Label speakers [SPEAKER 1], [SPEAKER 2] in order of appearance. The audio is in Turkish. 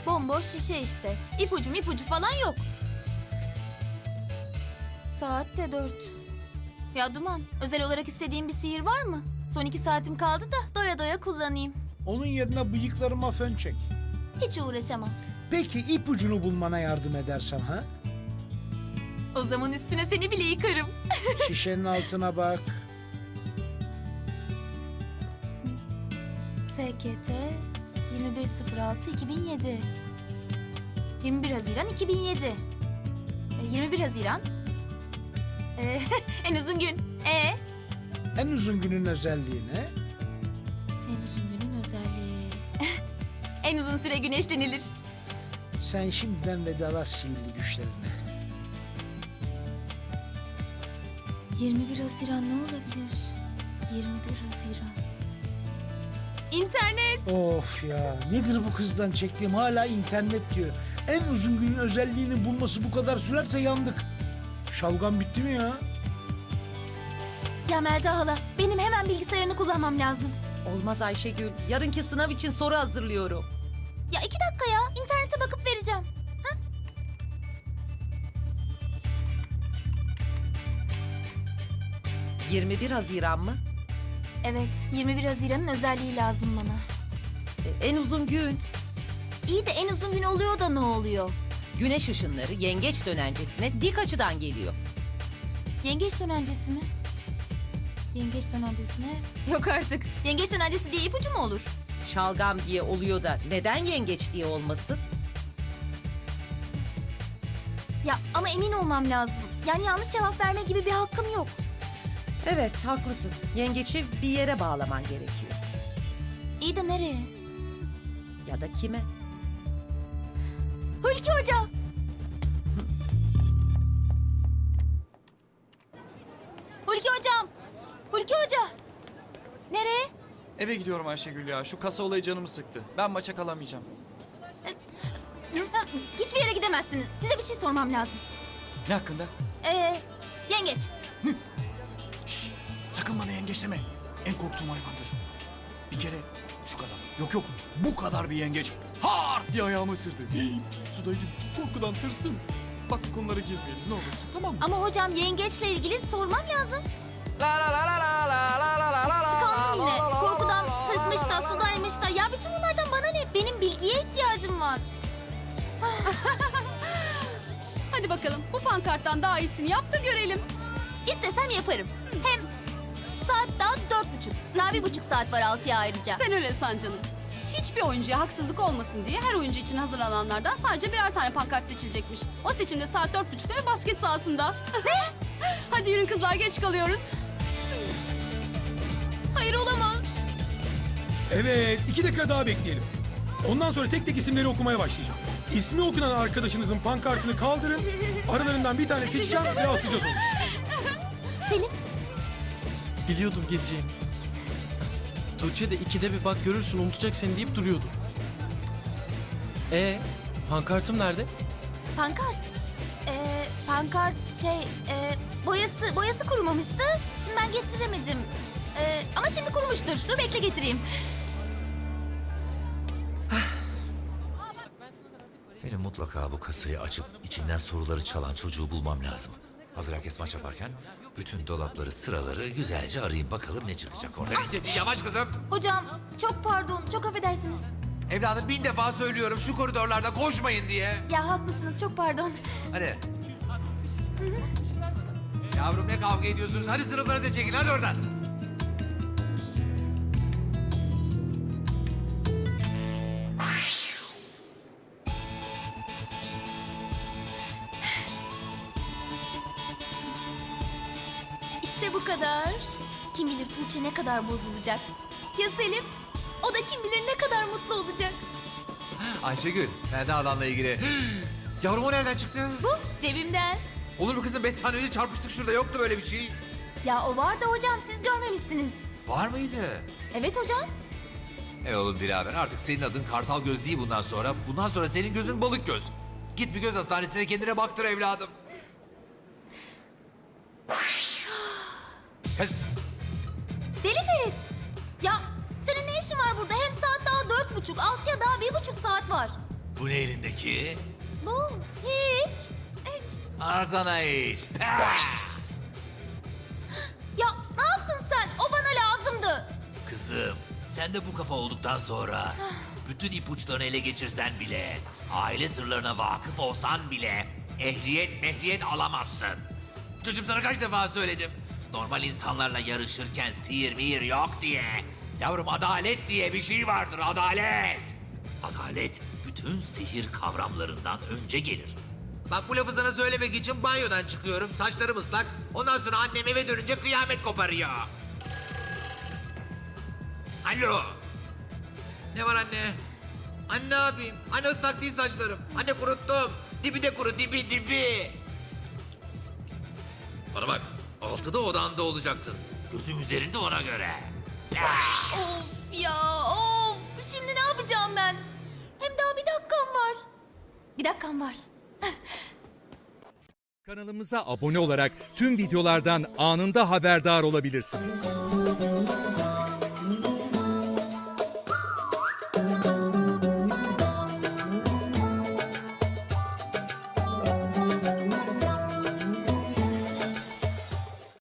[SPEAKER 1] Bomboş şişe işte. İpucu falan yok. Saat de 4. Ya Duman, özel olarak istediğin bir sihir var mı? Son 2 saatim kaldı da doya doya kullanayım.
[SPEAKER 2] Onun yerine bıyıklarıma fön çek.
[SPEAKER 1] Hiç uğraşamam.
[SPEAKER 2] Peki ipucunu bulmana yardım edersem ha?
[SPEAKER 1] O zaman üstüne seni bile yıkarım.
[SPEAKER 2] Şişenin altına bak.
[SPEAKER 1] SKT 21.06.2007. 21 Haziran 2007. 21 Haziran. En uzun gün.
[SPEAKER 2] En uzun günün özelliği ne?
[SPEAKER 1] En uzun günün özelliği. En uzun süre güneşlenilir.
[SPEAKER 2] Sen şimdiden vedalaş sihirli güçlerine.
[SPEAKER 1] 21 Haziran ne olabilir? 21 Haziran. İnternet.
[SPEAKER 2] Of ya, nedir bu kızdan çektiğim, hala internet diyor. En uzun günün özelliğini bulması bu kadar sürerse yandık. Şalgam bitti mi ya?
[SPEAKER 1] Ya Melda hala, benim hemen bilgisayarını kullanmam lazım.
[SPEAKER 3] Olmaz Ayşegül. Yarınki sınav için soru hazırlıyorum.
[SPEAKER 1] Ya 2 dakika ya, internete bakıp vereceğim.
[SPEAKER 3] 21 Haziran mı?
[SPEAKER 1] Evet, 21 Haziran'ın özelliği lazım bana.
[SPEAKER 3] En uzun gün.
[SPEAKER 1] İyi de en uzun gün oluyor da ne oluyor?
[SPEAKER 3] Güneş ışınları yengeç dönencesine dik açıdan geliyor.
[SPEAKER 1] Yengeç dönencesi mi? Yengeç dönencesine... Yok artık. Yengeç dönencesi diye ipucu mu olur?
[SPEAKER 3] Şalgam diye oluyor da neden yengeç diye olmasın?
[SPEAKER 1] Ya ama emin olmam lazım. Yani yanlış cevap verme gibi bir hakkım yok.
[SPEAKER 3] Evet, haklısın. Yengeci bir yere bağlaman gerekiyor.
[SPEAKER 1] İyi de nereye?
[SPEAKER 3] Ya da kime?
[SPEAKER 1] Hulki Hoca! Hulki Hocam! Hulki Hoca! Nereye?
[SPEAKER 4] Eve gidiyorum Ayşegül ya. Şu kasa olayı canımı sıktı. Ben maça kalamayacağım.
[SPEAKER 1] Hiçbir yere gidemezsiniz. Size bir şey sormam lazım.
[SPEAKER 4] Ne hakkında?
[SPEAKER 1] Yengeç.
[SPEAKER 4] Şşş! Sakın bana yengeç deme. En korktuğum hayvandır. Bir kere şu kadar. Yok bu kadar bir yengeç. Hart diye ayağımı ısırdı. Hii, sudaydım. Korkudan tırsım. Bak bu konulara girmeyelim ne olursun, tamam mı?
[SPEAKER 1] Ama hocam yengeçle ilgili sormam lazım.
[SPEAKER 4] La la la la la la la la la la.
[SPEAKER 1] Tıkandım yine. Korkudan tırsmış da sudaymış da. Ya bütün bunlardan bana ne? Benim bilgiye ihtiyacım var.
[SPEAKER 5] Hadi bakalım bu pankarttan daha iyisini yap da görelim.
[SPEAKER 1] İstesem yaparım. Hem saat daha 4.30. Daha 1.5 saat var 6'ya ayrıca.
[SPEAKER 5] Sen öyle san canım. Hiçbir oyuncuya haksızlık olmasın diye her oyuncu için hazırlananlardan sadece birer tane pankart seçilecekmiş. O seçimde saat 4.30'da ve basket sahasında. Hadi yürün kızlar, geç kalıyoruz.
[SPEAKER 1] Hayır olamaz.
[SPEAKER 6] Evet, 2 dakika daha bekleyelim. Ondan sonra tek tek isimleri okumaya başlayacağım. İsmi okunan arkadaşınızın pankartını kaldırın. Aralarından bir tane seçeceğim ve asacağız onu.
[SPEAKER 1] Selim.
[SPEAKER 7] Biliyordum geleceğini. Tuğçe de 2'de bir bak görürsün unutacak seni deyip duruyordu. Pankartım nerede?
[SPEAKER 1] Pankart. Pankart boyası kurumamıştı. Şimdi ben getiremedim. Ama şimdi kurumuştur. Dur bekle getireyim.
[SPEAKER 8] Benim mutlaka bu kasayı açıp içinden soruları çalan çocuğu bulmam lazım. Hazır herkes maç yaparken bütün dolapları, sıraları güzelce arayayım bakalım ne çıkacak orada.
[SPEAKER 9] Yavaş kızım.
[SPEAKER 1] Hocam çok pardon, çok affedersiniz.
[SPEAKER 9] Evladım 1000 defa söylüyorum şu koridorlarda koşmayın diye.
[SPEAKER 1] Ya haklısınız, çok pardon.
[SPEAKER 9] Hadi. Yavrum ne kavga ediyorsunuz? Hadi sınıflarınıza çekin hadi oradan.
[SPEAKER 1] İşte bu kadar. Kim bilir Tuğçe ne kadar bozulacak. Ya Selim? O da kim bilir ne kadar mutlu olacak.
[SPEAKER 9] Ayşegül, Melda adamla ilgili. Yavrum o nereden çıktı?
[SPEAKER 1] Bu cebimden.
[SPEAKER 9] Olur mu kızım? 5 saniye önce çarpıştık şurada. Yoktu böyle bir şey.
[SPEAKER 1] Ya o var da hocam siz görmemişsiniz.
[SPEAKER 9] Var mıydı?
[SPEAKER 1] Evet hocam.
[SPEAKER 9] Oğlum Dilaver artık senin adın Kartal Göz değil bundan sonra. Bundan sonra senin gözün Balık Göz. Git bir göz hastanesine kendine baktır evladım. Kız.
[SPEAKER 1] Deli Ferit. Ya senin ne işin var burada? Hem saat daha 4.30, 6'ya daha 1.5 saat var.
[SPEAKER 9] Bu ne elindeki?
[SPEAKER 1] Bu hiç. Hiç.
[SPEAKER 9] Ağzına iş. Ah!
[SPEAKER 1] Ya ne yaptın sen? O bana lazımdı.
[SPEAKER 9] Kızım, sen de bu kafa olduktan sonra bütün ipuçlarını ele geçirsen bile, aile sırlarına vakıf olsan bile ehliyet alamazsın. Çocuğum sana kaç defa söyledim. Normal insanlarla yarışırken sihir mihir yok diye. Yavrum adalet diye bir şey vardır, adalet. Adalet bütün sihir kavramlarından önce gelir. Bak bu lafı sana söylemek için banyodan çıkıyorum, saçlarım ıslak. Ondan sonra annem eve dönünce kıyamet koparıyor. Alo. Ne var anne? Anne ne yapayım? Anne ıslak değil saçlarım. Anne kuruttum. Dibi de kuru, dibi. Bana bak, 6'da odanda olacaksın. Gözüm üzerinde ona göre.
[SPEAKER 1] Of ya of. Şimdi ne yapacağım ben? Hem daha bir dakikam var. Bir dakikam var.
[SPEAKER 10] Kanalımıza abone olarak tüm videolardan anında haberdar olabilirsiniz.